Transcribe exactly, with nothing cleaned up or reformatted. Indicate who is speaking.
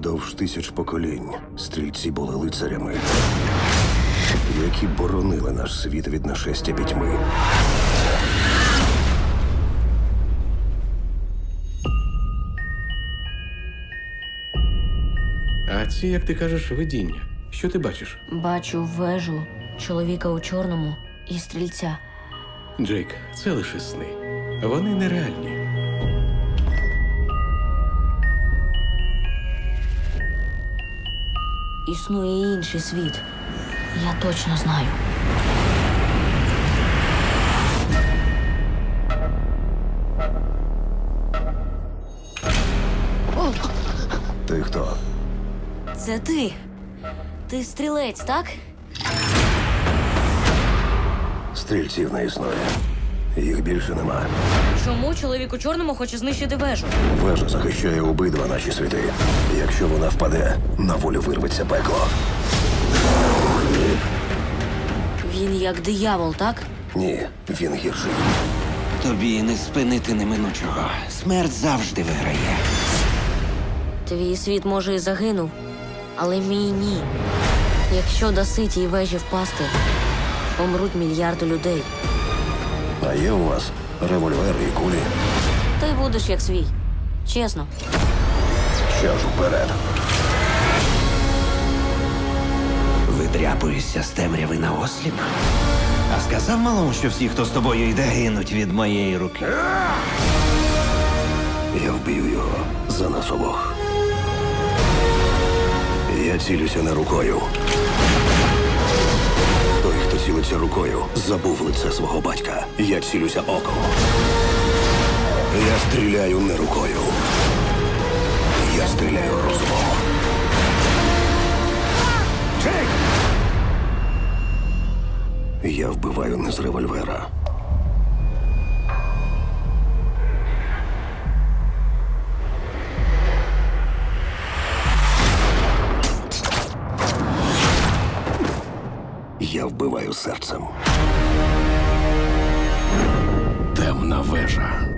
Speaker 1: Продовж тисяч поколінь стрільці були лицарями, які боронили наш світ від нашестя пітьми.
Speaker 2: А ці, як ти кажеш, видіння. Що ти бачиш?
Speaker 3: Бачу вежу, чоловіка у чорному і стрільця.
Speaker 2: Джейк, це лише сни. Вони нереальні.
Speaker 3: Існує і інший світ. Я точно знаю.
Speaker 1: Ти хто?
Speaker 3: Це ти. Ти стрілець, так?
Speaker 1: Стрільців не існує. Їх більше нема.
Speaker 3: Чому чоловік у чорному хоче знищити вежу?
Speaker 1: Вежа захищає обидва наші світи. Якщо вона впаде, на волю вирветься пекло.
Speaker 3: Він як диявол, так?
Speaker 1: Ні, він гірший.
Speaker 4: Тобі не спинити неминучого. Смерть завжди виграє.
Speaker 3: Твій світ, може, і загинув, але мій ні. Якщо даси тій вежі впасти, помруть мільярди людей.
Speaker 1: А є у вас револьвери і кулі?
Speaker 3: Ти будеш як свій. Чесно.
Speaker 1: Що ж вперед?
Speaker 4: Видряпуєшся з темряви на осліп. А сказав малому, що всі, хто з тобою йде, гинуть від моєї руки.
Speaker 1: Я вб'ю його за нас обох. Я цілюся не рукою. Той, хто цілиться рукою, забув лице свого батька. Я цілюся оком. Я стріляю не рукою. Я стріляю розумом. Джейк! Я вбиваю не з револьвера. Я вбиваю серцем. Темна вежа.